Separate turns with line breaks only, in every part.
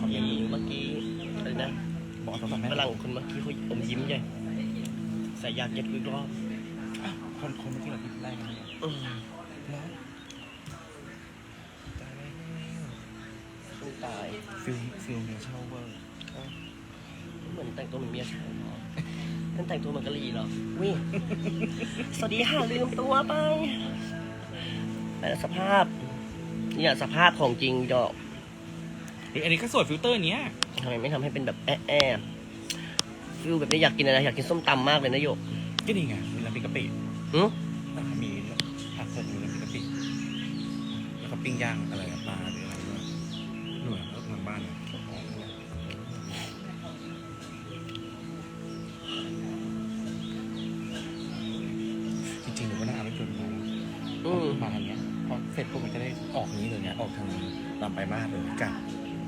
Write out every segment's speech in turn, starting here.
อมเมนต์
เมื่อกี้อะไรนะ
บอกต้องทำให้
ฝรั่งคนเมื่อกี้เขาอมยิ้มใหญ่ใส่อยากเย็ดอีกรอบ
คนเมื่อกี้เราพิมพ์ได้กันเนี่ย
อืม
แล้วตายแล้ว
สู้ตาย
ฟิลเมียเช่าเวอร์
เหมือนแต่งตัวเหมือนเมียชายท่านแต่งตัวเหมือนกะหรี่เหรอวิสวัสดีค่ะลืมตัวไปแต่สภาพเนี่ยสภาพของจริงดอก
อันนี้ก็สวยฟิลเตอร์เนี้ย
ทำไมไม่ทำให้เป็นแบบแอะฟิลแบบนี้อยากกินอะไรอยากกินส้มตำมากเลยนะโยก
ก็นี่ไงมีน้ำพริกกะปิ
หึ
มีผักสดมีน้ำพริกกะปิแล้วก็ปิ้งย่างอะไรปลาหรืออะไรด้วยหน่วยแล้วทางบ้านเนี่ยจริงๆหนูก็น่าเอารถยนต์มา มาทางเนี้ยพอเสร็จปุ๊บมันจะได้ออกนี้เลยเนี่ยออกทางตามไปมากเลยกลับ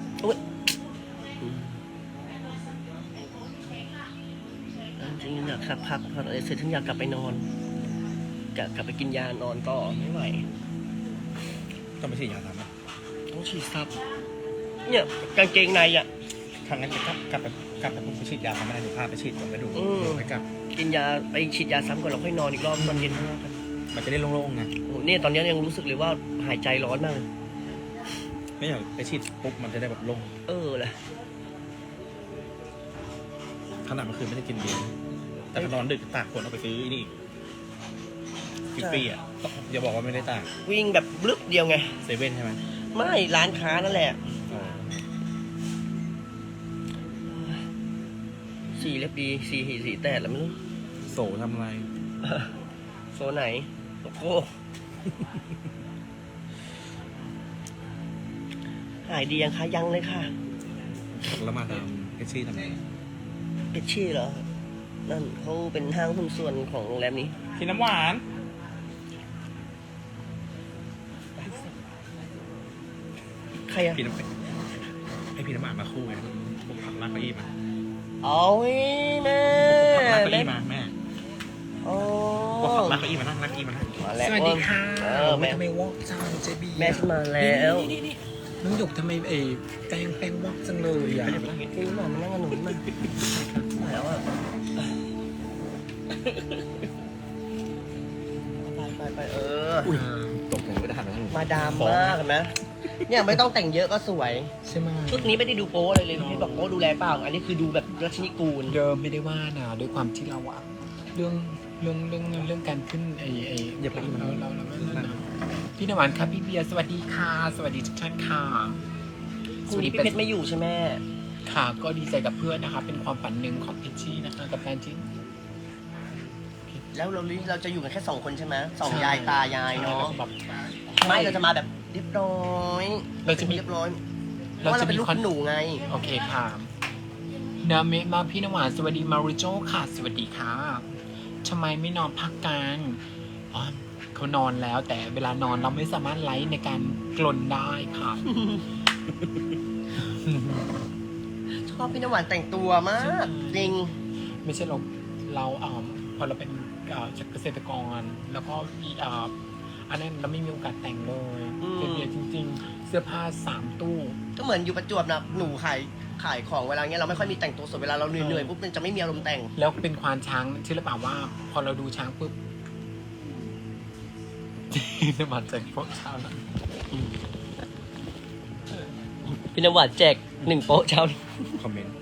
จริงๆอยากพักพออะไรเสร็จฉันอยากกลับไปนอนกลับไปกินยานอนต่อไม่ไหว
ต้องไปฉีดยาทำนะ
ต้องฉีดซับเนี่ยกางเกงในอ่ะ
ทางนั้นจะกลับไปปุ๊บไปฉีดยาทำไม่ได้หนูพาไปฉีดก่อนไปดู
อืม
ไปกลับ
กินยาไปฉีดยาซ้ำก่อนเราค่อยนอนอีกรอบตอนเย็น
มันจะได้โล่งๆไง
โอ้เนี่ยตอนนี้ยังรู้สึกเลยว่าหายใจร้อนมากเลย
ไม่อยากไปฉีดปุ๊บมันจะได้แบบโล่ง
แหละ
ขนาดเมื่อคืนไม่ได้กินเบียร์แต่พอนอนดึกตากฝนเอาไปซื้อนี่ฟิฟฟี่อ่ะอย่าบอกว่าไม่ได้ตาก
วิ่งแบบบลึบเดียวไง
เซเว่นใช่ไหม
ไม่ร้านค้านั่นแหละสีเล็บดีสีแตดแล้วไม่รู้
โสทำอะไร
โซนไหนโอ้โหหายดียังคะยังเลยค่ะ
แล้วมาดามเอชชี่ทำไง
เอชชี่เหรอ นั่นเขาเป็นห้างหุ้นส่วนของโรงแรมนี้
กินน้ำหวาน
ใครอะ
พี่น้ำให้พี่น้ำหวานมาคู่ไงผมผักลากเก้าอี้มา
เอาแม่
ผักลากเก้าอี้มาแม่
โอ้
บอกผักลากเก้าอี้มานั่งลากเก้าอี้มานั่ง
มาแล้ว
สวัสดีค่ะ
แม่
ทำไมวอกจังเจบี
แม่ฉันมาแล้ว
นี่น้องหยกทำไมแป้งวอกจังเลยอ่ะ
ไม่ได้ไปนั่งอย่างงี้
คือมานั่งกับหนูมาแล้วอะไป
อุ้ย
ตกลงไม่ได้หันไปทางหนู
มาดามมากนะเนี่ยไม่ต้องแต่งเยอะก็สวย
ใช่ไหม
ชุดนี้ไม่ได้ดูโป๊อะไรเลยพี่บอกโป๊ดูแลเปล่าอันนี้คือดูแบบรัชนิกูล
เดิมไม่ได้ว่านะด้วยความที่เราอะเรื่องการขึ้น
อย่าไปอีกมัน
เราพี่นวานครับพี่เบียร์สวัสดีค่ะ สวัสดีทุกท่านค่ะ
พรุ่งนี้พี่เพชรไม่อยู่ใช่ไหม
ค่ะ ก็ดีใจกับเพื่อนนะคะ เป็นความฝันหนึ่งของเพชรชี่นะคะกับแฟนจริง
แล้วเราจะอยู่กันแค่2 คนใช่ไหมสองยายตายายเนาะ
แบบ
ไม่เราจะมาแบบเรียบร้อย
เราจะมี
เรียบร้อยเพราะว่าเราเป็นลูกหนูไง
โอเคค่ะนาเมะมาพี่นวานสวัสดีมาริโจค่ะ สวัสดีค่ะทำไมไม่นอนพักกันอ๋อเขานอนแล้วแต่เวลานอนเราไม่สามารถไลฟ์ในการกลนได้ค่ะ
ชอบพี่น้ำหวานแต่งตัวมากจริง
ไม่ใช่เราพอเราเป็นเกษตรกรแล้วก็อันนั้นเราไม่มีโอกาสแต่งเลย
อืม
เป็นเบียร์จริง ๆ เสื้อผ้า3 ตู้
ก็เหมือนอยู่ประจวบนะหนูขายของเวลาเงี้ยเราไม่ค่อยมีแต่งตัวสดเวลาเราเหนื่อยๆปุ๊บมันจะไม่มีอารมณ์แต่ง
แล้วเป็นควานช้างเชื่อหรือเปล่าว่า พอเราดูช้างปุ๊บ น้ำมันใจพวกเช้านะ
พี่น้ำหวานแจก1 โป๊ะเช้านี้
คอมเมนต์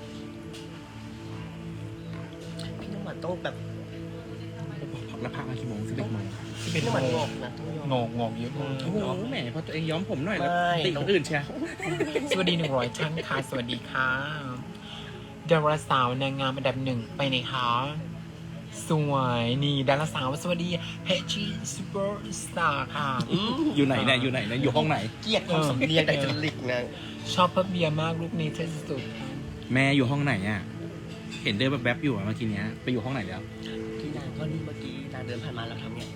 พี่น้ำหวานต้องแบบ
แล้วพักมากี่โมง11 โมง
พี่น้ำหวานงอกนะต้องยอม
งอกเยอะมาก
โอ้โหแหมพอตัวเองย้อมผมหน่อยแล้ว
ไม่
ติคนอื่นเชียว
สวัสดี100ท่านค่ะสวัสดีค่ะดาราสาวนางงามอันดับ 1ไปไหนคะสวยนี่ดาราสาวสวัสดีเพชีซูเปอร์สตาร์ค่ะ
อยู่ไหนเนี่ยอยู่ไหนเนี่ยอยู่ห้องไหน
เกลียดความสำเนียงแต่จริตนะ
ชอบพับเบียร์มากลูกนี้เท่สุด
แม่อยู่ห้องไหนอ่ะเห็นเดินแบบๆอยู่อะเมื่อกี้เนี้ยไปอยู่ห้องไหนแล้ว
ที่นางก็นี่เมื่อกี้นางเดินผ่านมาแล้วทำเนี่ย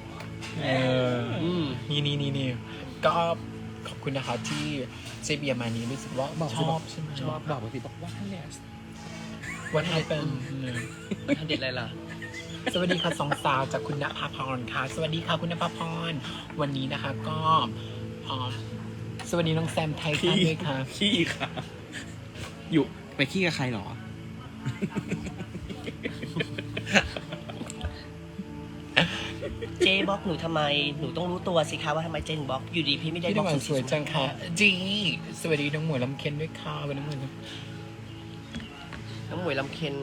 นี่ก็ขอบคุณนะคะที่เจเบียร์มานี้รู้สึกว่าชอบใช่ไหม
ชอบบอกปกติบอกว่าเนี่ย
วันไทยเป็น
ทันเด็ดอะไรล่ะ
สวัสดีค่ะสองสาวจากคุณณภาพรค่ะ สวัสดีค่ะคุณณภาพรวันนี้นะคะก็สวัสดีน้องแซมไทยค่ะด้วยค่ะ
ขี้ค่ะอยู่ไปขี้กับใครเหรอ
เจบล็อกหนูทำไมหนูต้องรู้ตัวสิคะว่าทำไมเจนบล็อกอยู่ดีพี่ไม่ได้
พี่
บล็
น้ำ
อ
ห
ก
วานสวยจังค่ะจีสวัสดีน้องหมวยลำเค็นด้วยค่ะเป็นน้องหมวย
น้องหมวยลำเค็น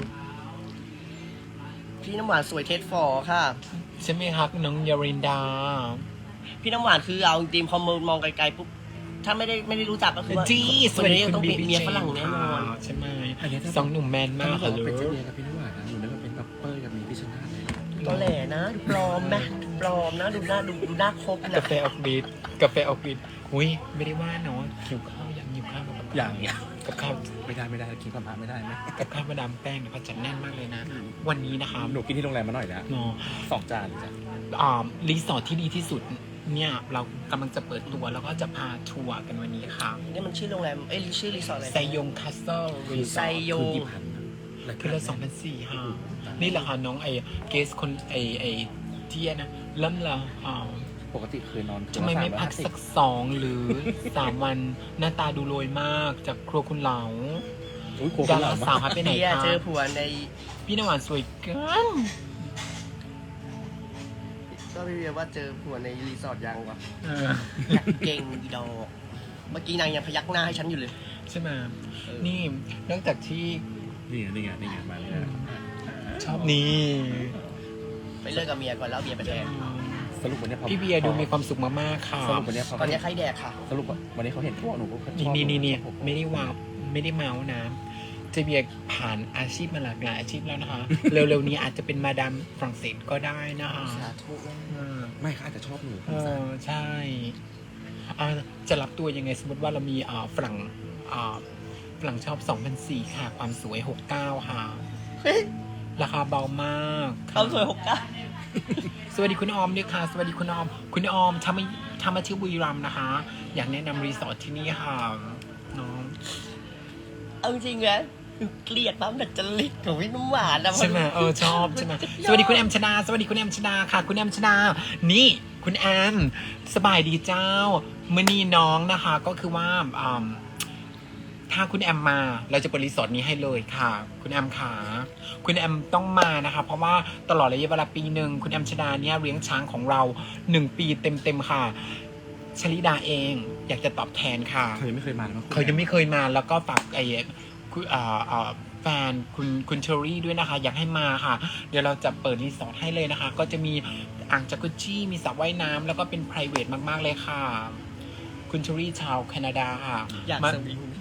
พี่น้ำหวานสวยเทสฟอร์ค่ะ
ใช่ไหมครับน้องยารินดา
พี่น้ำหวานคือเอาจริงๆพอมองไกลๆปุ๊บถ้าไม่ได้รู้จักก็คือว่า
จีส
คน
วัสดี
นี้
คุณ
ต้อง
บี
เป็น
บี
เมียฝรั่งแน่นอน
ใช่ไหม
อันนี้ถ้า
สองหนุ่มแมนมาก
ถ้า
ค่ะ
บอก
ลู
ว่าก เป็นเจเบียกับพี่นุ่นนะหนูนึกว่าเป็นแบบเป้ยกับมีพิชนาธิ์เลย
ตัวแหล่นะดูปลอมไหมดูปลอมนะดูหน้าครบนะ
กาแฟออกฤทธิ์กาแฟออกฤทธิ์อุ้ยไม่ได้ว่าเนาะหิวข้าวยังหิวข้าวกับ
อย่าง
กับข้าว
ไม่ได้กินกับพระไม่ได้ไหม
กับข้าวมาดามแป้งเนี่ยเขาจัดแน่นมากเลยนะ วันนี้นะคะ
หนูกินที่โรงแรมมาหน่อยแล้ว
เนาะ
2 จานจ้ะ
รีสอร์ทที่ดีที่สุดเนี่ยเรากำลังจะเปิดตัวแล้วก็จะพาทัวร์กันวันนี้ค่ะ
นี่มันชื่อโรงแรมชื่อรีสอร์ทอะไร
ไซยงคาสเซิลรีส
ไซ
อร์ท
โย
คือง กี่พัน
คือละ2,400ค่ะนี่แหละค่ะน้องเกสคนไอเทียนะเริ่มละ
ปกติเคยนอน
ทำไมไม่พักสัก2 หรือ 3 วันหน้าตาดูโรยมากจากครัวคุณเหลา
อุ้ยโค
ดา
ตรห
รา
ล่อ
สาว
มาก
หายไปไหน
เบียร์
คะ
เจอผัวใน
พี่น้ำหวานสวยเกิน
ก็พี่เบียร์ว่าเจอผัวในรีสอร์ทยังวะ
เออ
อยากเก่งอีดอกเมื่อกี้นางยังพยักหน้าให้ฉันอยู่เลย
ใช่ไหมนี่นอกจากที่
นี่ไงมาเลยนะ
ชอบนี่
ไปเลิกกับเมียก่อนแล้วเอาเบียร์ไปแทน
สรุปวันนี้
พี่เบียร์ดูมีความสุขมากๆค่ะ
สรุปวันนี้เขา
ตอนนี้ใครแดกค่ะ
สรุปวันนี้เขาเห็นพวกหนูก็ชอบ
นี่ไม่ได้ว้าวไม่ได้เมาส์นะเจเบียร์ผ่านอาชีพมาหลากหลายอาชีพแล้วนะคะ เร็วๆนี้อาจจะเป็นมาดามฝรั่งเศสก็ได้นะคะ
สาธุ
ไม่เขาอาจจะชอบหนู
ใช่จะรับตัวยังไงสมมติว่าเรามีฝรั่งชอบ2,400ค่ะ ความสวย 69 ค่ะ ราคาเบามาก
เขาสวย69
สวัสดีคุณออมด้วยค่ะ สวัสดีคุณออม คุณออมทำมาที่บุรีรัมย์นะคะ อยากแนะนำรีสอร์ทที่นี่ค่ะน้อง
เอาจริงๆนะเกลียดบ้างแต่จริตของพี่น้ำหวานนะ
ใช่ไหมชอบใช่ไหมสวัสดีคุณแอมชนาสวัสดีคุณแอมชนาค่ะ คุณแอมชนานี่คุณแอมสบายดีเจ้ามื่อนี้น้องนะคะก็คือว่าถ้าคุณแอมมาเราจะเปิดรีสอร์ทนี้ให้เลยค่ะ คุณแอมขาคุณแอมต้องมานะคะเพราะว่าตลอดระยะเวลาปีหนึ่งคุณแอมชนาเนี่ยเลี้ยงช้างของเรา1 ปีเต็มๆค่ะชลิดาเองอยากจะตอบแทนค่ะ
เขายังไม่เคยมาเลย
เขายังไม่เคยมาแล้วก็ฝากคุณแฟนคุณเชอรี่ด้วยนะคะ อยากให้มาค่ะ เดี๋ยวเราจะเปิดรีสอร์ทให้เลยนะคะ ก็จะมีอ่างจากุชี่มีสระว่ายน้ำแล้วก็เป็น p r i v a t มากๆเลยค่ะ คุณเชอรี่ชาวแคนาดาค่ะ
อยาก
มา
สวิง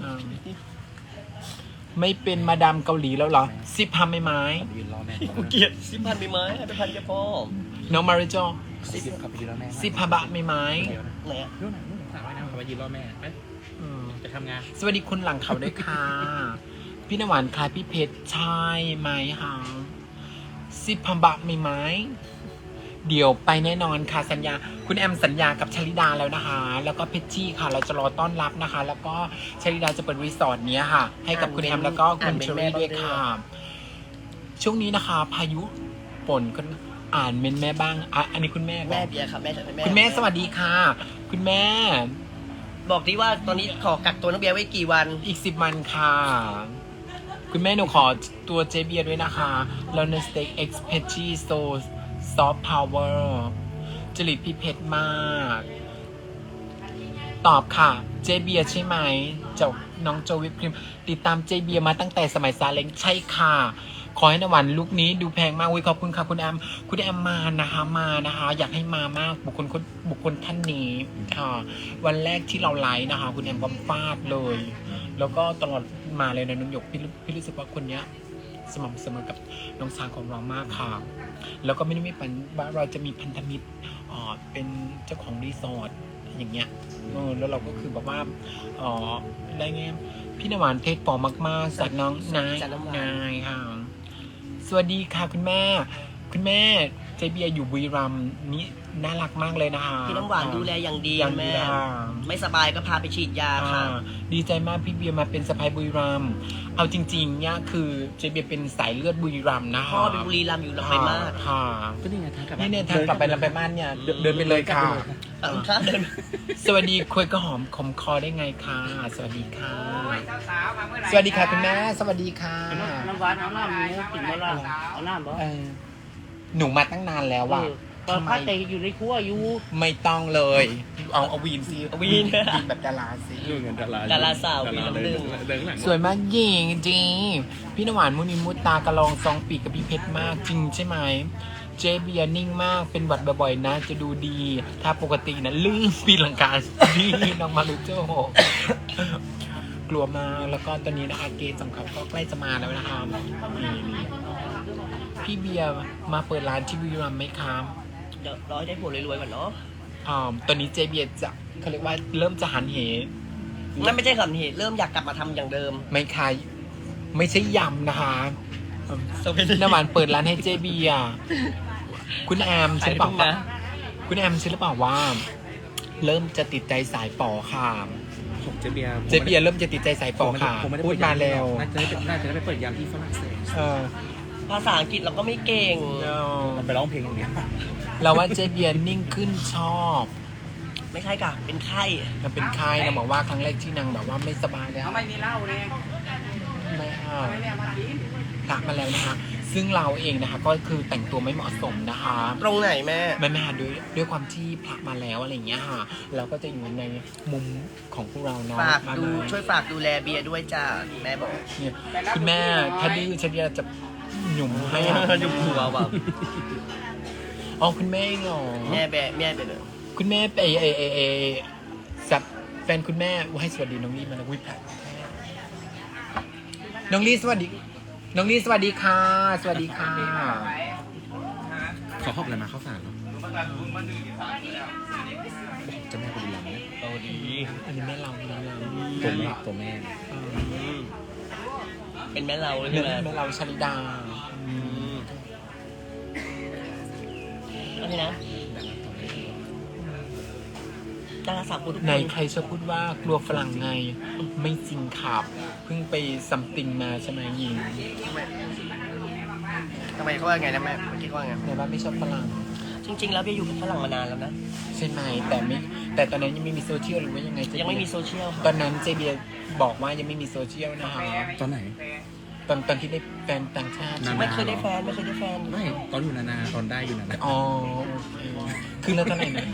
ไม่เป็นมาดามเกาหลีแล้วเหรอซิพาไม่ไม้
ยืนรอแม่
กูเกลียด10,000ไปไหมให้ไปพันแค่พ่อ
น้องมาริโจ
ขับไปยืนรอแม่
ซิพาบะไม่ไม้
ไหนอะ
นู่นสาวว่ายน้ำขับไปยืนรอแม่ไปจะทำงาน
สวัสดีคุณหลังเขาด้วยค่ะ พี่นำหวานคล้ายพี่เพชรใช่ไหมคะซิพาบะไม่ไม้ เดี๋ยวไปแน่นอนค่ะสัญญาคุณแอมสัญญากับชลิดาแล้วนะคะ แล้วก็เพชรจี้ค่ะ เราจะรอต้อนรับนะคะ แล้วก็ชลิดาจะเปิดรีสอร์ทเนี้ยค่ะ ให้กับคุณแอมแล้วก็คุณเชอรี่ด้วยค่ะ ช่วงนี้นะคะ พายุฝนก็อ่านเมนแม่บ้างอันนี้คุณแม่ก่อน
แม่เบียร์ค่ะแม่
คุณแม่สวัสดีค่ะ คุณแม่
บอกที่ว่าตอนนี้ขอกักตัวน้องเบียร์ไว้กี่วัน
อีก10 วันค่ะ คุณแม่หนูขอตัวเจเบียร์ด้วยนะคะแล้วในสเต็กเอ็กซ์เพชีโซซอฟต์พาวเวอร์จริตพี่เพชรมาก ตอบค่ะ เจเบียร์ใช่ไหมเจ้าน้องโจวิปครีมติดตามเจเบียร์มาตั้งแต่สมัยซาเล้งใช่ค่ะ ขอให้นวันลุกนี้ดูแพงมากวิขอบคุณค่ะคุณแอมมานะคะ อยากให้มามากบุคคลท่านนี้ค่ะ วันแรกที่เราไลฟ์นะคะ คุณแอมก็ฟาดเลย แล้วก็ตลอดมาเลยนะน้องหยกพี่รู้สึกว่าคนเนี้ยสม่ำเสมอกับน้องช้างของเรามากค่ะ แล้วก็ไม่ได้มีปัญว่าเราจะมีพันธมิตรเป็นเจ้าของรีสอร์ทอย่างเงี้ยแล้วเราก็คือแบบว่าได้ไงพี่นวานเทศปอมากๆจากน้องนายค่ะสวัสดีค่ะคุณแม่เจเบียอยู่บุรีรัมย์นี่น่ารักมากเลยนะคะ
พี่น้ำหวานดูแลอย่างดี
อย่าง
แม่
ดีค่ะ
ไม่สบายก็พาไปฉีดยาค่ะ
ดีใจมากพี่เบียร์มาเป็นสะพ้ายบุรีรัมย์เอาจริงๆเนี่ยคือเจเบียร์เป็นสายเลือดบุรีรัมย์นะคะ
พ่อเป็นบุรีรัมย์อยู่ลำไปมาก
ค่ะ
ก็นี่ไงทางกลับ
นี่เนี่ยทางกลับไปลำไปบ้านเนี่ยเดินไปเลยค่ะ
ค่ะเดิน
สวัสดีคุยกระหอมคมคอได้ไงคะสวัสดีค่ะสวัสดีค่ะคุณแม่สวัสดีค่ะ
น้ำหวานเอาน้ำหมูกินมาละเอาน้ำบ่
เออหนูมาตั้งนานแล้วว่ะ
ตอนพักแต่อยู่ในครัวอยู่
ไม่ต้องเลย เอาวีนสิ
เอาวีน
วีนแบบดาราสิ
นู่นเงินดารา
ดาราสาวมี
ดารา
ลำดึง
เดินข้างหลัง
สวยมากหญิงจริงพี่นำหวานมุนิมุตตากระลองซองปีกกับพี่เพชรมากจริงใช่ไหมเจเบียร์นิ่งมากเป็นหวัดบ่อยๆนะจะดูดี ถ้าปกตินะลืมปีลังกาดีน้องมารุโจกลัวมากแล้วก็ตอนนี้นะคะเกย์สำคัญก็ใกล้จะมาแล้วนะคะนี่พี่เบียร์มาเปิดร้านที่บุรีรัมย์ไหมครับ
เดี๋ยวรอให้ได้ผัวรวยๆก่อนเนาะ
ตอนนี้เจเบียร์จะเขาเรียกว่าเริ่มจะหันเห
นั่นไม่ใช่คำเหตุเริ่มอยากกลับมาทำอย่างเดิม
ไม่คายไม่ใช่ยำนะคะน้ำหวานเปิดร้านให้เจเบียร์คุณแอมใช่หรือเปล่า
ขายได้ทุกนะ
คุณแอมใช่หรือเปล่าว่า เริ่มจะติดใจสายปอค่ะ
ผมเจเบียร์
เจเบียร์เริ่มจะติดใจสายปอค่ะ
ผมไม่ได้
พู
เปิ
ด
ด
มาแล้ว
น่าจะได้ไปเปิดยามที่ฝรั่งเศส
เออ
ภาษาอังกฤษเราก็ไม่เก่ง
มันไปร้องเพลงอย่างเดียว
เราว่าเจเบียร์นิ่งขึ้นชอบ
ไม่ใช่ค่ะเป็นไข้
มันเป็นไข้นะบอกว่าครั้งแรกที่นางแบบว่าไม่สบายแล้ว
เขาไม่มีเหล้าเนี่ย
ไม่ค่ะ
ไม่ได้มากิน
พระมาแล้วนะคะ ซึ่งเราเองนะคะ ก็คือแต่งตัวไม่เหมาะสมนะคะ
ตรงไหนแม่
แม่ด้วยความที่พระมาแล้วอะไรอย่างเงี้ยค่ะ เราก็จะอยู่ในมุมของพวกเราเนาะ
ฝากดู
มา
ช่วยฝากดูแลเบียร์ด้วยจ้าแม่บอก
เนี่ยคุณแม่ถ้าดื้อฉันจะหยุ่มให้อ่ะ
ยุ่มหัวว่ะ
อ๋อคุณแม่เหรอ
แม่ไปเลย
คุณแม่ไปสับแฟนคุณแม่ให้สวัสดีน้องลี่มาแล้ววิพากน้องลี่สวัสดี น้องลี่สวัสดีค่ะ สวัสดีค่ะ
เขาขอบอะไรมาเข้าสารเหรอจะแม่คนดีแล้ว
เอาดี
อันนี้แม่เราแม่เรา
ตัวแม่
เออ
เป็นแม่เราเลย
แม่
ใช่ไหม
แม่เราชลิดา
โอเคนะดาราสาวคนทุกค
ไหน
น
ใครชอบพูดว่ากลัวฝรั่งไง ไม่จริงครับเพิ่งไปซัมติงมาใช่ไหมยิง
ทำไมเขาว่าไงนะแม่เมื่อกี้เขาว่าไง
แต่ว่าไม่ชอบฝรั่ง
จริง ๆ แล้วเบียร์อยู่กับฝรั่งมานานแล้วนะ
ใช่ไหมแต่ตอนนั้นยังไม่มีโซเชียลหรือว่ายังไงเจเบี
ยังไม่มีโซเชียล
ตอนนั้นเจเบียบอกว่ายังไม่มีโซเชียลนะคะ
ตอนไหน
ตอนที่ได้แฟนต่างชาติใช่ไหม
ไม่เคยได้แฟน
ไม่ตอนอยู่นาตอนได้อยู่นา
อ๋อโอเคคือแล้วตอนไหนนะ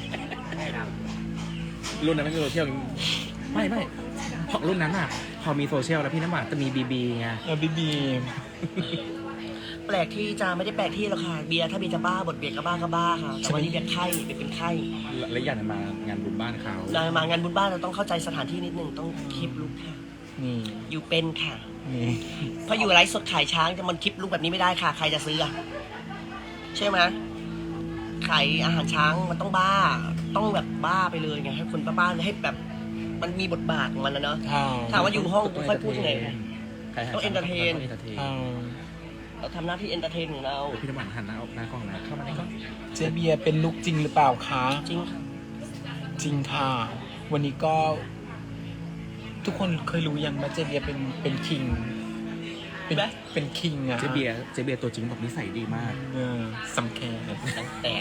รุ่นนั้นไม่มีโซเชียลไม่เพราะรุ่นนั้นอ่ะ พอมีโซเชียลแล้วพี่น้ำหวานจะมีบีไง
บีบี
แปลกที่จะไม่ได้แปลกที่หรอกค่ะเบียร์ถ้าเบียร์จะบ้าบทเบียร์ก็บ้าค่ะแต่วันนี้เบียร์ไข้เบียร์เป็นไข้
และอย่างนั้นมางานบุญบ้านเขา
มางานบุญบ้านเราต้องเข้าใจสถานที่นิดนึงต้องคลิปลุกค่ะ
นี่
อยู่เป็นค่ะ
นี่
เพราะอยู่ไลฟ์สดขายช้างจะมันคลิปลุกแบบนี้ไม่ได้ค่ะ ใครจะซื้ออะใช่ไหมขายอาหารช้างมันต้องบ้า ต้องแบบบ้าไปเลยไงให้คนบ้าๆให้แบบมันมีบทบาทของมันนะเนาะ ถามว่าอยู่ห้องกูค่อยพูดยังไง ต้อง entertain เราทำหน้าที่เอนเตอร์เทนของเรา
พี่น้ำหวานหันหน้าออกหน้ากล้องนะเข้ามาในกล้อง
เจเบียเป็นลูกจริงหรือเปล่าคะ
จริงค่ะ
จริงค่ะ วันนี้ก็ ทุกคนเคยรู้ยังว่าเจเบียเป็นคิงเป็นคิงอะ
เจเบียร์ตัวจริงบอกนิสัยดีมาก
สำแคร์
ตั้งแต่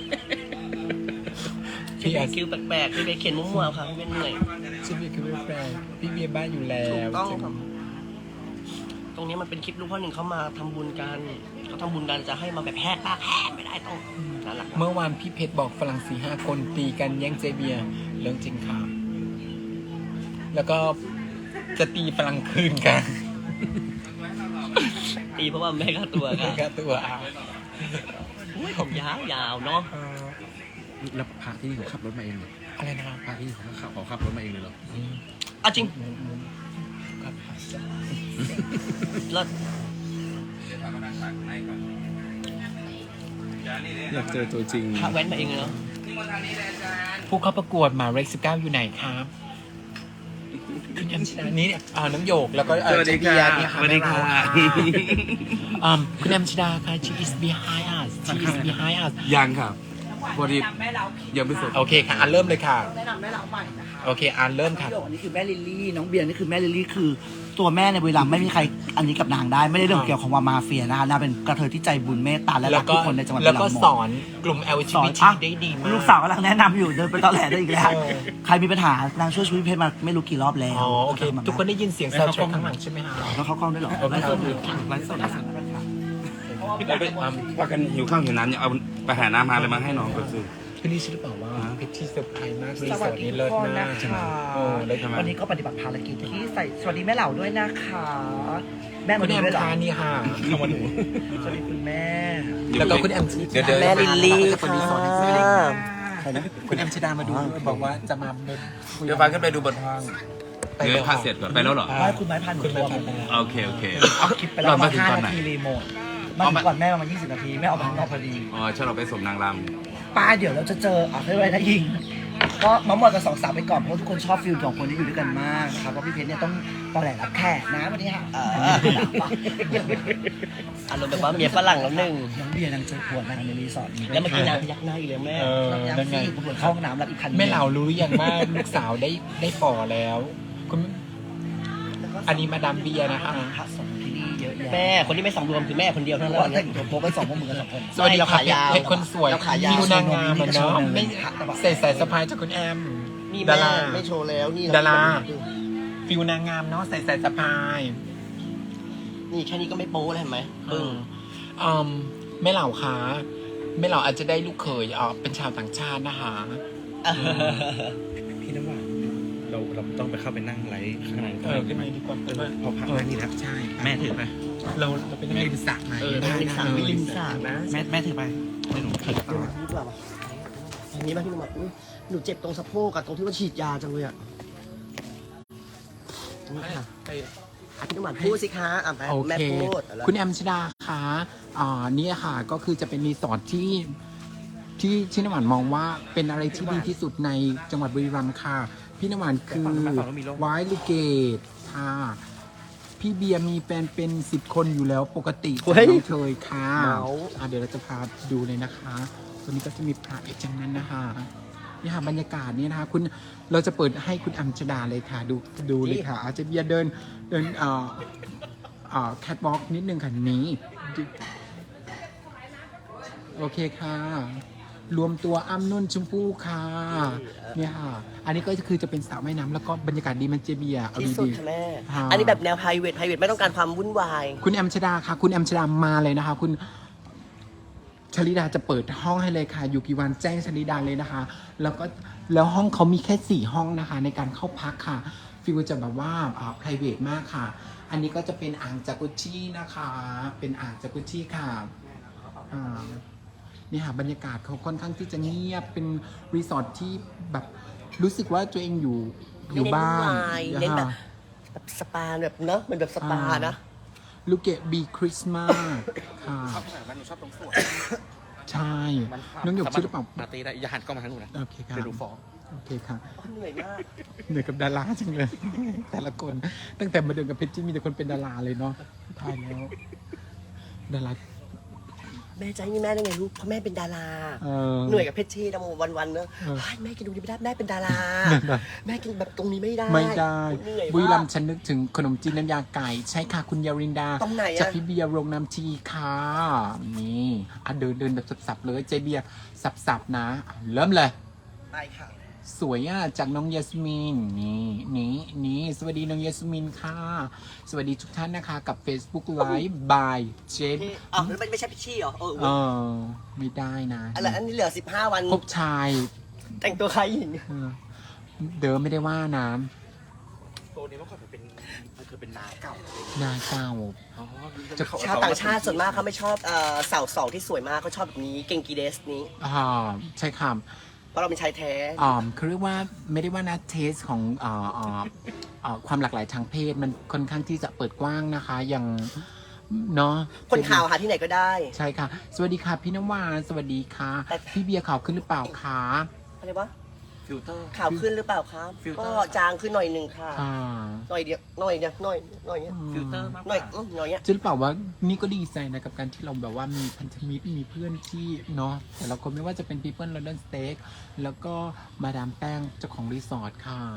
พี่เบย์คิวแปลกๆพี่เบย์เขียนมั่วๆค่ะพี่เบย์เหนื่อย
เจเบียคือแฟนพี่เบียบ้านอยู่แล้
ถู
ว
กต้องครับตรงนี้มันเป็นคลิปลูกพ่อหนึ่งเขามาทำบุญกันเขาทำบุญกันจะให้มาแบบแหกปากแหกไม่ได้ต้องน่ารัก
เมื่อวานพี่เพชรบอกฝรั่ง4-5 คนตีกันแย่งเจเบียเรื่องจริงค่ะ แล้วก็จะตีฝรั่งคืนกัน
ตีเพราะว่าแม่ค่าตัว
แล้
ค่ะ
วก็ตัวเอา
ผมยาวๆเนาะ
แล้วพระที่นี่เขาขับรถมาเองเหรอ
อะไรนะครับ
พระที่นี่เขาขับรถมาเองเลยเหรอ
อ่ะจริง
ครับ
แล้ว
อยากเจอตัวจริง
พระแว้นมาเองเลยเนาะ
ผู้เข้าประกวดหมายเลข19อยู่ไหนครับคุณแอมชดานี่น้องโยกแล้วก็
สวัสดีค่ะ
เจเบียร์นี่
สวัสดีค่ะ
คุณแอมชดาค่ะ she is behind us she is behind us
ยังครับพอดียังไม่สุด
โอเคค่ะเริ่มเลยค่ะ
แนะนำแม่เราใหม่นะคะ
โอเคเริ่มค่ะ
พี่โยกนี่คือแม่ลิลลี่น้องเบียร์นี่คือแม่ลิลลี่คือ ตัวแม่ในบุรีรัมย์ไม่มีใคร
อันนี้กับนางได้ไม่ได้เรื่องเกี่ยวของว่ามาเฟียนะคะนางเป็นกระเทยที่ใจบุญเมตตาและ
แล้
รั
ว
ก
ก็
ทุกคนในจังหวัด
แล้วก็
บุรีรัมย์
สอนกลุ่ม
สอน
LGBT ได้ดีมาก
ลูกสาวกำลังแนะนำอยู่เดินไปตอแหลได้อีกแล้ว
เออ
ใครมีปัญหานางช่วยชีวิตเพชรมาไม่รู้กี่รอบแล้ว
อ๋อโอเค ทุกคนได้ยินเสียงซาวด์แทร็กข้างหลังใช่ไหมฮะ
แล้วเขากล้องด้วยเหรอ
ไลฟ์สดอยู่
ไลฟ์สดไลฟ์สด
เราไปว่ากันหิวข้าวหิวน้ำเนี่ยเอาไปหาน้ำมาเลยมาให้น้องก่อนสิ
คือนี่ใช่หรือเปล่าว่าเพชรที่เซอร์ไพรส์มากรีสอร์ทนี้เลิศมากใช่ไหมโอ้แล้วทำไม
วันนี้ก็ปฏิบัติภารกิจที่ใส่สวัสดีแม่เหล่าด้วยนะคะ แม่
คุ
มา
ณ
ดู
แอม
ด้วยเหรอ
คานี่ค่ะเข้ามาดู
สวัสดีคุณแม่
แล้วก็คุณแอม
เดี๋ยว
แม่ลิลลี่ค่ะ
คุณแอมชดามาดูบอกว่าจะมาเป็น
เดี๋ยวฟ้าขึ้นไปดูบนห้องเดี๋ยวพาเสร็จก่อนไปแล้วเหรอ
ไม่คุณไม้พันหนู
คุณ
ตัว
แม่
ผม
โอเคโอเค
เอาคลิปไปแล้ว
เรา
มา
มาถึงตอนไหน
5 นาทีรีโมทมาถึงก่อนแม่ประมาณ20 นาทีแม่ออกมาข้างนอกพอดี
อ๋อฉันเราไปสมนางร
ป้าเดี๋ยวเราจะเจอเฮ้ยอะไรนะยิง ก็มาหมดกับ2 สาวไปก่อนเพราะทุกคนชอบฟิลของคนที่อยู่ด้วยกันมากนะครับเพราะพี่เพชรเนี่ยต้องตอแหลรับแขกนะวันนี้ฮะ
อารมณ์แบบว่าเมียฝรั่งแล้วหนึ่ง
น้องเบียร์นางเจอขวดนางในรีสอร์ทนี้
แล้วเมื่อกี้นางพยักหน้าอีกเลยแม่
เออ
ยัง
นั่นไง
ซี่ผมเข้าห้องน้ำรับอีกคัน
แม่เหล่ารู้หรือยังว่าลูกสาวได้ฝ่อแล้ว คุณอันนี้มาดามเบียร์นะคะ
พระสงฆ์ที่นี่เยอะแยะ
แม่คนที่ไม่สำรวมคือแม่คนเดียวเท่านั้น
ว่า
แห
แต่
ละ
งตัวโป๊ไป2 พวกมึงกัน2 คน
สวัสดี
เรา
ค่ะ
ขายาว
เพชรคนสวย
เราขายาว
มิวนางงามอะเนาะไม่ใส่สะพายจากคุณแอม
นี่
ดา
แม่
รา
ไม่โชว์แล้วนี่
ดารา ฟิวนางงามเนาะใส่สะพาย
นี่แค่นี้ก็ไม่โป๊แล้วเห็นไหมปึ้ง
แม่เหล่าคะแม่เหล่าอาจจะได้ลูกเขยเป็นชาวต่างชาตินะคะ
พี่น้ำหวานเราต้องไปเข้าไปนั่งไลฟ์ข้างใน
ขึ้นมาดีกว่า
พอพักนั่งนี่แล้วใช่แม่ถือไป
เราไปนั่งริมสระไหน
นั่งริมสระไม่ริมสระนะ
แม่ถือไปเดี๋ยวหนูถือต่อ
นี่เปล่าอันนี้มาพี่หนุ่มบอกหนูเจ็บตรงสะโพกกับตรงที่ว่าฉีดยาจังเลยอ่ะนี่ค่ะพี่หนุ่มพูดสิคะแม่
โอ
แม่
เค
พูด
คุณแอมชดาคะนี่ค่ะก็คือจะเป็นรีสอร์ทที่น้ำหวานมองว่าเป็นอะไรที่ดีที่สุดในจังหวัดบุรีรัมย์ค่ะ พี่น้ำหวานคือไวท์ลูเกตค่ะ พี่เบียร์มีแฟนเป็น10 คนอยู่แล้วปกติน้องเชยค่ะเดี๋ยวเราจะพาดูเลยนะคะวันนี้ก็จะมีพระอีกจังนั้นนะคะนี่ค่ะบรรยากาศนี่นะคะคุณเราจะเปิดให้คุณอัมชดาเลยค่ะดูเลยค่ะ อาจจะเบียร์เดินแคทวอล์กนิดนึงค่ะนี้โอเคค่ะ รวมตัวอ้ำนุ่นชมพู่ค่ะเนี่ยค่ะ อันนี้ก็คือจะเป็นสระว่ายน้ำแล้วก็บรรยากาศดีมันเจเบียร์เอา
ที่สุด
ดี
ค่ะแม่
ค่ะ
อันนี้แบบแนว private ไม่ต้องการความวุ่นวาย
ๆคุณแอมชดาค่ะ คุณแอมชดามาเลยนะคะ คุณชลิดาจะเปิดห้องให้เลยค่ะ อยู่กี่วันแจ้งชลิดาเลยนะคะ แล้วห้องเขามีแค่4 ห้องนะคะ ในการเข้าพักค่ะฟิลจะแบบว่าprivate มากค่ะ อันนี้ก็จะเป็นอ่างจากุชชี่นะคะ เป็นอ่างจากุชชี่ค่ะนี่ค่ะบรรยากาศเขาค่อนข้างที่จะเงียบเป็นรีสอร์ทที่แบบรู้สึกว่าตัวเองอยู่บ้าน
เน้นแบบสปาแบบเนอะมันแบบสปานะ
ลูกเกดบีคริสต์มาสค่ะ
ชอบขนาดนั้นหนูชอบตรงสวน
ใช่น้องหยกชื่อหรือเปล่า
ปาร์ตี้ได้อย่าหันกล้องมาทางหนูนะ
โอเคค่ะ
เดี๋ยวดูฟ้อง
โอเคค่ะ
เหนื่อยมาก
เหนื่อยกับดาราจังเลย แต่ละคน ตั้งแต่มาเดินกับเพชรจี้มีแต่คนเป็นดาราเลยเนาะตายแล้วดารา
แม่ใจนี่แม่ได้ไงลูกเพราะแม่เป็นดารา
เออ
เหนื่อยกับเพชรชีดำวันๆเนอะ
เออ
เฮ้ยแม่กินตรงนี้ไม่ได้แม่เป็นดารา แม่กินแบบตรงนี้ไม่ได้
ไม่ได้
เหนื่อย
บุรีรั
มาม ก
ย์ฉันนึกถึงขนมจีนน้ำยาไก่ ใช่ค่ะคุณยารินดา
ตรงไหนอะ
จากพี่เบียร์โรงน้ำทีค่ะนี่เดินแบบสับๆเลยเจเบียร์สับๆนะเริ่มเลย
ไปค่ะ
สวยอ่ะจากน้องยาสมินนี่สวัสดีน้องยาสมินค่ะ สวัสดีทุกท่านนะคะกับ Facebook Live by เจน
อ๋อไม่ใช่เพชรชีเหรอ
ไม่ได้นะ
อันนี้เหลือ15 วัน
พบชาย
แต่งตัวใครหญิง
เดิมไม่ได้ว่านะ
ตัวนี้เมื่อก่อนมันคือเป็นนาเก่า
นาเก่า
ชาวต่างชาติส่วนมากเขาไม่ชอบสาวสองที่สวยมากเขาชอบแบบนี้เก่งกีเดสนี้
ใช่ค่ะ
เพราะเราเป็นชายแท้
คือเรียกว่าไม่ได้ว่านะเทสของความหลากหลายทางเพศมันค่อนข้างที่จะเปิดกว้างนะคะอย่างเนาะ
คนข่าวหาที่ไหนก็ได้
ใช่ค่ะ สวัสดีค่ะพี่น้ำหวานสวัสดีค่ะ
แต่
พี่เบียร์ข่าวขึ้นหรือเปล่าคะ
อะไรวะ
ฟิลเตอร์
ข่าวขึ้นหรือเปล่าครับ
ฟิลเตอ
ก็
ร์
จางขึ้นหน่อยหนึ่งค่ะ
อ่า
หน่อยเดียวหน่อยเนี้ย
ฟิลเตอร์มากก
หน่อย
ว่า
หน่อยเนี้ย
จะรู้เปล่าว่านี่ก็ดีใจนะกับการที่เราแบบว่ามีพันธมิตรมีเพื่อนที่เนาะแต่ละคนไม่ว่าจะเป็น People London Steak แล้วก็มาดามแป้งเจ้าของรีสอร์ทค่ะ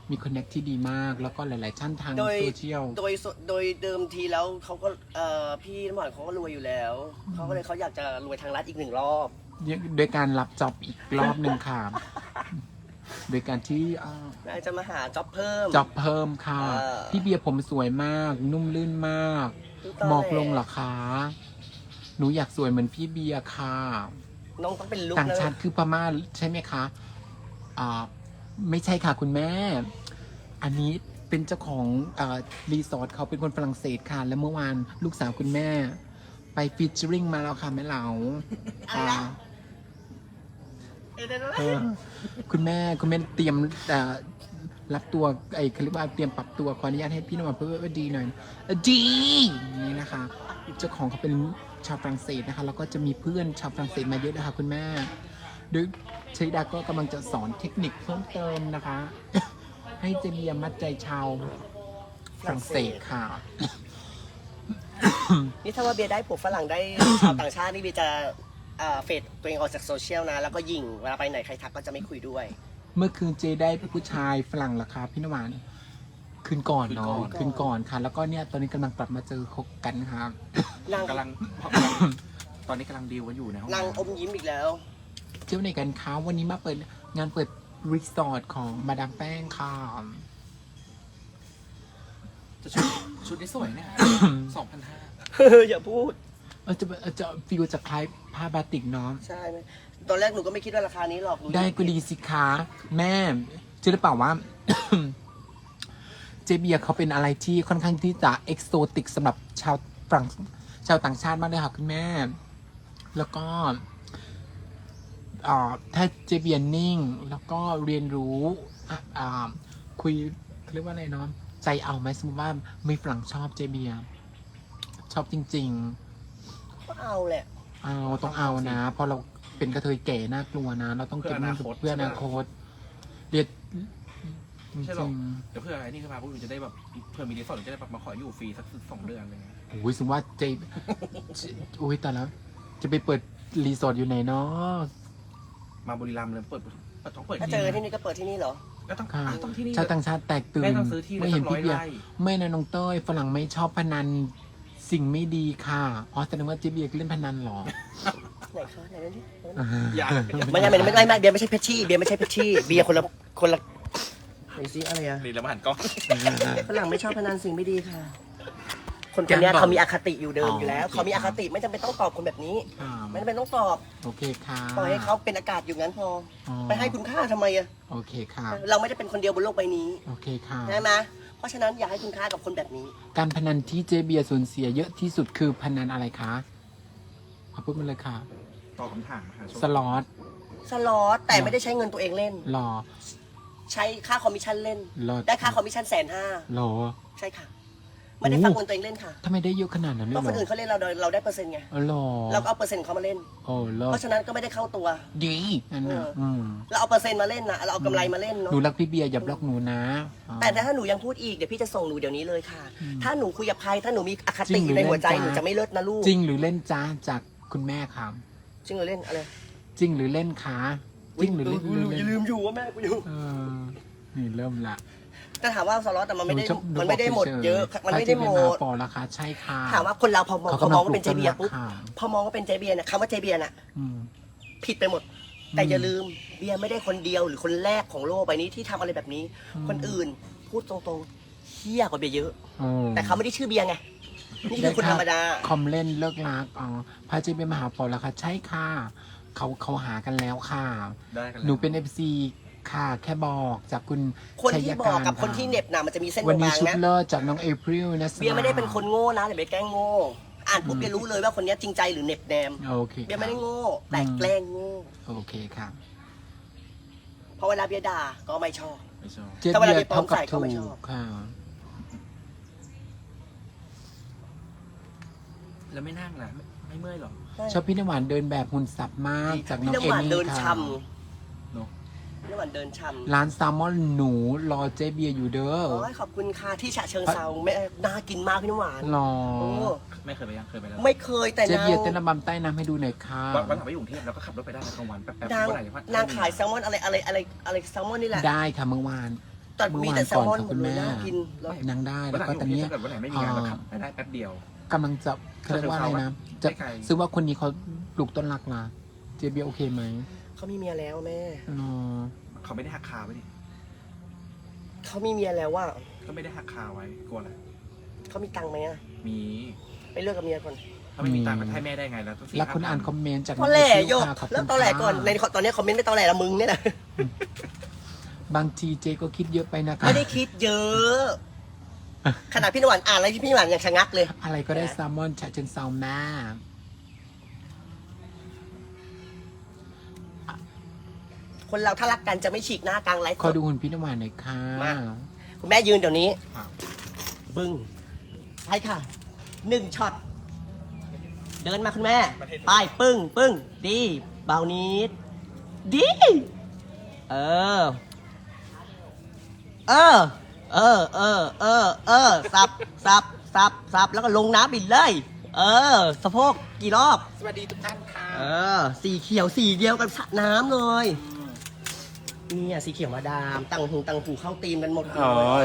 มีคอนเนคที่ดีมาก แล้วก็หลาย ๆ ท่านทาง
โดย
โซเชียล
โดยเดิมทีแล้วเขาก็พี่น้ำหวานเขาก็รวยอยู่แล้วเขาก็เลยเขาอยากจะรวยทางรัฐอีก1 รอบ
โดยการรับจ็อบอีกรอบหนึ่งค่ะ โดยการที่
นายจะมาหาจ็อบเพิ่ม
จ็อบเพิ่มค่ะ
เออ
พี่เบียร์ผมสวยมาก นุ่มลื่นมาก
ตอนแรก
บอกลงเหรอคะ หนูอยากสวยเหมือนพี่เบียร์ค่ะ
น้องต้องเป็นลุค
ต่าง
แล้ว
ชาติคือพม่าใช่ไหมคะไม่ใช่ค่ะคุณแม่ อันนี้เป็นเจ้าของรีสอร์ทเขาเป็นคนฝรั่งเศสค่ะ แล้วเมื่อวานลูกสาวคุณแม่ ไปฟีเจอริงมาแล้วค่ะแม่เหลาคุณแม่เตรียมรับตัวเขาเรียกว่าเตรียมปรับตัวขออนุญาตให้พี่น้องเพื่อดีหน่อยดีนี่นะคะเจ้าของเขาเป็นชาวฝรั่งเศสนะคะแล้วก็จะมีเพื่อนชาวฝรั่งเศสมาเยอะนะคะคุณแม่โดยชลิดาก็กำลังจะสอนเทคนิคเพิ่มเติมนะคะ ให้เจเบียมัดใจชาวฝรั่งเศสค่ะ
นี่ถ้าว่าเบียร์ได้ผัวฝรั่งได้ ชาวต่างชาตินี่เบียร์จะเฟดตัวเองออกจากโซเชียลนะแล้วก็ยิงเวลาไปไหนใครทักก็จะไม่คุยด้วย
เมื่อคืนเจได้ผู้ชายฝรั่งเหรอคะพี่นวานคืนก่อนเนาะคืนก่อนค่ะ แล้วก็เนี่ยตอนนี้กำลังกลับมาเจอคบกันครับ
นาง
กำลัง ตอนนี้กำลังดีลกันอยู่ในห้อง
นางอ
น้ำ
มยิ้มอีกแล้ว
เที่ยวไหนกันคะวันนี้มาเปิดงานเปิดรีสอร์ทของมาดามแป้งค่ะ
จะชุดนี้สวยเนี่ย
อย่าพูด
จะฟิลจะคล้ายผ้าบาติกเนาะ
ใช่ไหมตอนแรกหนูก็ไม่คิดว่าราคานี้หรอกหนู
ได้ก็ดีสิคะแม่เชื่อหรือเปล่าว่า เจเบียร์เขาเป็นอะไรที่ค่อนข้างที่จะเอกโซติกสำหรับชาวต่างชาติมากเลยค่ะคุณแม่ แล้วก็ถ้าเจเบียร์นิ่ง แล้วก็เรียนรู้คุยเรียกว่าอะไรเนาะใจเอาไหมสมมติว่ามีฝรั่งชอบเจเบียร์ชอบจริง
ก็เอาแหละ
ๆเอาต้องเอานะเพราะเราเป็นกระเทยแก่น่ากลัวนะ เราต้องเก็บเงินเพื่ออนาคตเรียนจ
ใช่หร
ริ
อก
ง
เดี๋ยวเพื่อไอ้นี่ขึ้นมาพวกอยู่จะได้แบบเพื่อมีรีสอร์ทจะได้แบบมาขออยู่ฟรีสัก2 เดือนอะไรเงี้ย
ๆโอ้ยสมมติว่าเจโอ้ยแต่แล้ว จะไปเปิดรีสอร์ทอยู่ไหนเนาะ
มาบุรีรัมย์เลยต้องเปิด
ถ้าเจอที่นี่ก็เปิดที่นี่เหรอ
ก็ต้อง
ค่ะ
ต้องที่นี่
ชาวต่างชาติแตกตื่น
แม่ต้องซื้อที่
ไม่เห็น
สัก
พี่เบียร์
100 ไร่
ไม่นะน้องเต้ยฝรั่งไม่ชอบพนันสิ่งไม่ดีค่ะอ๋อแสดงว่าเจเบียร์เล่นพนันเหรอ
ไหนคะไหนนั่นดิ
อย่า
ไม่ใช่เบียร์ไม่ใช่เพชชี่เบียร์ไม่ใช่เพชชี่เบียร์คนละไหนซิอะไรอะ
นี่แล้วมาหันกล้อง
ฝรั่งไม่ชอบพนันสิ่งไม่ดีค่ะ คนคนเนี้ยเขามีอคติอยู่เดิมอยู่แล้ว
โอเค
เขามีอคติไม่จำเป็นต้องตอบคนแบบนี้
อ่า
ไม่จำเป็นต้องตอบ
โอเคค่ะ
ปล่อยให้เขาเป็นอากาศอยู่งั้นพออ
อ
ไปให้คุณค่าทำไมอะ
โอเคค่ะ
เราไม่ได้เป็นคนเดียวบนโลกใบนี้
โอเคค่ะ
ใช่ไหมเพราะฉะนั้นอย่าให้คุณค่ากับคนแบบนี้
การพนันที่เจเบียร์สูญเสียเยอะที่สุดคือพนันอะไรคะเอาพูดมาเลยค่ะ
ตอบคำถามค่ะ
สล็อต
สล็อตแต่ไม่ได้ใช้เงินตัวเองเล่น
หรอ
ใช้ค่าคอมมิชชั่นเล่น
หรอ
ได้ค่าคอมมิชชั่น150,000
หรอ
ใช่ค่ะ ไม่ได้ฝากเงินตัวเองเล่นค่ะ
ทำไมได้เยอะขนาดนั้นเล
ก็
ย
คน
เหร
อื่
อน
เขาเล่นเราได้เปอร์เซ็นต์ไง
อ๋อหรอ
เราก็เอาเปอร์เซ็นต์เขามาเล่น
โอ้หรอ
เพราะฉะนั้นก็ไม่ได้เข้าตัว
ดีนั่นนะ
เราเอาเปอร์เซ็นต์มาเล่นนะเราเอากำไรมาเล่น
หนู
เนาะ
รักพี่เบียร์อย่าบล็อกหนูนะอ๋อ
แต่ถ้าหนูยังพูดอีกเดี๋ยวพี่จะส่งหนูเดี๋ยวนี้เลยค่ะ
อืม
ถ้าหนูคุยกับใครถ้าหนูมีอค
จริ
ติ
งหรือ
ในหัวใจ
เล่น
หนู
จ๊ะ
จะไม่เลิศนะลูก
จริงหรือเล่นจ้าจากคุณแม่ครับ
จริงหรือเล่นอะไร
จริงหรือเล่นคะจริงหรือเล่น
อย่าลืมอยู่ว่าแม่กูอยู่
เออนี่เริ่มละ
แต่ถามว่าสล็อตแต่มันไม่ได้
ห
มันไม่ได้หมดเยอะ มันไม่ได้หมด
ปอราคาใช่ค่ะ
ถามว่าคนเราพอมอง
เขา
พอก
ำลั
ม
ง
องว่าเป็นเจเบียร์ปุ๊บ
ปลูกต้นรักค่ะ
พอมองว่าเป็นเจเบียร์เนี่ยคำว่าเจเบียร์น่ะ
อืม
ผิดไปหมด แต่อย่าลืมเบียร์ไม่ได้คนเดียวหรือคนแรกของโลกใบนี้ที่ทำอะไรแบบนี้ คนอื่นพูดตรงๆเฮี้ยกว่าเบียร์เยอะ
อืม
แต่เขาไม่ได้ชื่อเบียร์ไงนี่คือคนธรรมดา
คอมเล่นเลิกรักอ๋อพระเจเป็นมหาปอราคาใช่ค่ะเขาหากันแล้วค่ะ
ได้กันแล้ว
หนูเป็น FC ค่ะ แค่บอกจากคุณ
คนที่
ชัย
บอกกับ
า
คนที่เหน็บน่ะมันจะมีเส้น
วันนี้
บาง
ชุด
ๆนะ
เลิศจากน้องเอพริลนะ
เบียร์ไม่ได้เป็นคนโง่นะแต่เบียร์แกล้งโง่อ่านปุ๊บเบียร์รู้เลยว่าคนเนี้ยจริงใจหรือเหน็บแนม
โอเค
เบียร์ไม่ได้โง่แต่แกล้งโง่
โอเคค่ะ
เพราะเวลาเบียร์ด่าก็ไม่ชอบ
ไม่ชอบ
เจ๊
ถ้าเวลา
เบียร์
ไปปลอม
เท่ากับ
ใส่ก็
ถู
ไม่ช
ก
อบ
ค่ะ
แล้วไม่นั่งล่ะไม่เมื่อยหรอ
ชอบพี่น้ำหวานเดินแบบหุ่นสับมากจากน้
พี่
อง
น้ำ
เอ
หวาน
มี่
เดิน
ค่ะ
ช่
เนอะ
ำพี่น้ำหวานเดินช่ำ
ร้านแซลมอนหนูรอเจ๊เบียร์อยู่เด้อ
โอ้ยขอบคุณค่ะที่ฉะเชิงเซาไม่น่ากินมากพี่น้ำหวาน
รอ
โอ้
ไม่เคยไปยังเคยไปแล้ว
ไม่เคยแต่
เจ๊
นาง
เบียร์เต้นระบำใต้น้ำให้ดูหน่อยค่ะ
วันหลังไปอยู่กรุงเทพแล้วก็ขับรถไปได้นะกลางวันแป๊บๆ
นาง
เมื่อไหร่ว่
นางขายแซลมอนอะไรแซลมอนนี่แหละ
ได้ค่ะเมื่อวาน
แต่มีแต่แซลมอนหมดเลยน่ากินเลย
นางได้
วัน
แล้ว
หลัง
ก็ตอนนี้
ถ้าเกิดวันไหนไม่มีงานก็ขับไปได้แป๊บเดียว
กำลังจะเขาเรียกว่าอะไรนะ จะ
ไม่ไกล
ซื้อว่าคนนี้เขาปลูกต้นรักมาเจเบียโอเคไหม
เขามีเมียแล้วแม่
อ๋อ
เขาไม่ได้หักคาไว้ดิ
เขามีเมียแล้วว่า
ก็ไม่ได้หักคาไว้กลัวอะไร
เขามีตังค์ไหมอะ
มี
ไปเลิกกับเมียก่อน
ถ้าไม่มีตังค์ก็ให้แม่ได้ไงแล้วต้อง
แล้วคุณอ่านคอมเมนต์จาก
ตอแหลโยก
ค่ะขอบคุณ
แล้วตอแหลก่อน ใน
ค่ะ
ตอนนี้คอมเมนต์ไม่ตอแหลละมึงเนี่ยนะ
บางทีเจก็คิดเยอะไปนะคะ
ไม่ได้คิดเยอะ ขนาดพี่นวลอ่านอะไรพี่นวลยังชะงักเลย
อะไรก็ได้แซลมอนฉะเชิงเซาแม่
คนเราถ้ารักกันจะไม่ฉีกหน้ากลางไลฟ์
ขอดูหุ่นพี่น้ำหวานหน่อยค่ะ
มา คุณแม่ยืนเดี๋ยวนี้ บึ้งใช่ค่ะ 1 ช็อต เดินมาคุณแม่ ไปปึ้ง ปึ้ง ดี เบานิด ดี เออ สับ แล้วก็ลงน้ำบิดเลย สะโพกกี่รอบ
สวัสดีทุกท่านค่ะ
สีเขียวสีเดียวกับสระน้ำเลย เนี่ยสีเขียวมาดาม ตังหูเข้าตีมกันหมดเลย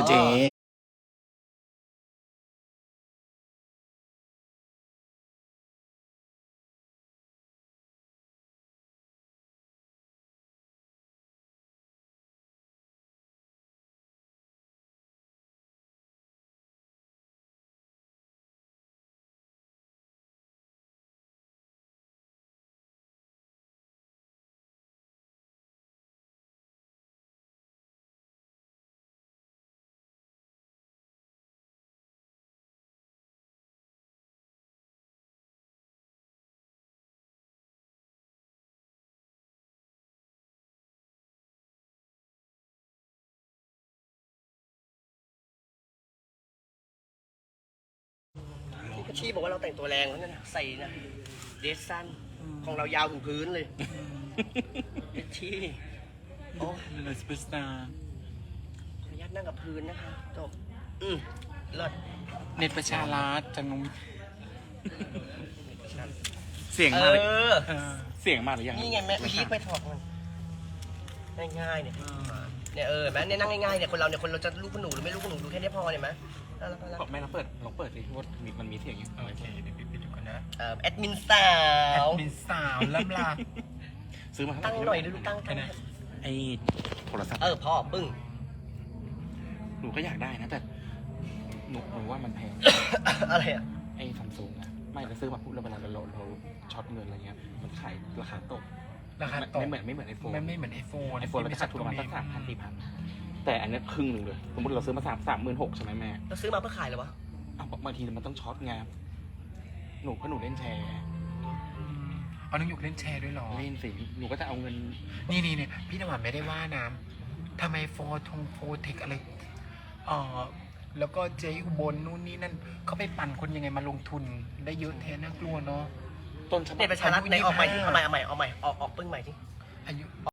พี่บอกว่าเราแต่งตัวแรงแล้วนั่นน่ะใส่นะเดรสสั้นของเรายาวถึงพื้นเลยที่โอ้
เลยสเปซสตาร์
ขออนุญาตนั่งกับพื้นนะคะจบเลิศ
เน็ตประชารัฐจังง
เสียง
เอ
มากเลย
อ
เสียงมากหรือยัง
นี่ไงแม่พีคไปถอดมันง่ายๆเนี่ยเนี่ยแม่เนี่ยนั่งง่ายๆเนี่ยคนเราจะลูกคุณหนูหรือไม่ลูกคุณหนูดูแค่นี้พอเนี่ยไหมน่ารัก
แม่ลองเปิดสิว่ามันมีเสียงอยู่โอเคเดี๋ยวปิดดูก่อนนะ
แอดมินสาว
มีสาวล่ำลา
ซื้อมา
ตั้งหน่อยดูตั้ง
ไอ้โทรศัพท์
พ่อปึ้ง
หนูก็อยากได้นะแต่หนูว่ามันแพง
อะไรอ่ะ
ไอ้ซัมซุงอะไม่เราซื้อมาปุ๊บแล้วเวลาเราช็อตเงินอะไรเงี้ยมันขายราคาตก
ราคาตก
ไม่เหมือนไอโฟน
ไม่เหมือนไอโฟน
ไอโฟนเราจะขาดทุนประมาณสัก3,000-4,000แต่อันนี้ครึ่งหนึ่งเลยสมมติเราซื้อมา36,000ใช่ไหมแม่
เราซื้อมาเพื่อขายเหรอวะ
บางทีมันต้องช็อตไงเพราะหนูเล่นแชร์
เอาน้องหยกเล่นแชร์ด้วยเหรอ
เล่นสิหนูก็จะเอาเงิน
นี่พี่น้ำหวานไม่ได้ว่านะทำไมโฟเทคอะไรแล้วก็เจอุบลนู่นนี่นั่นเขาไปปั่นคนยังไงมาลงทุนได้เยอะแท้น่ากลัวเนาะ
ต้นฉบับ
เนี่ยประชารัฐไหนออกใหม่ที่เอาใหม่ออกปึ้งใหม่ที่
อายุ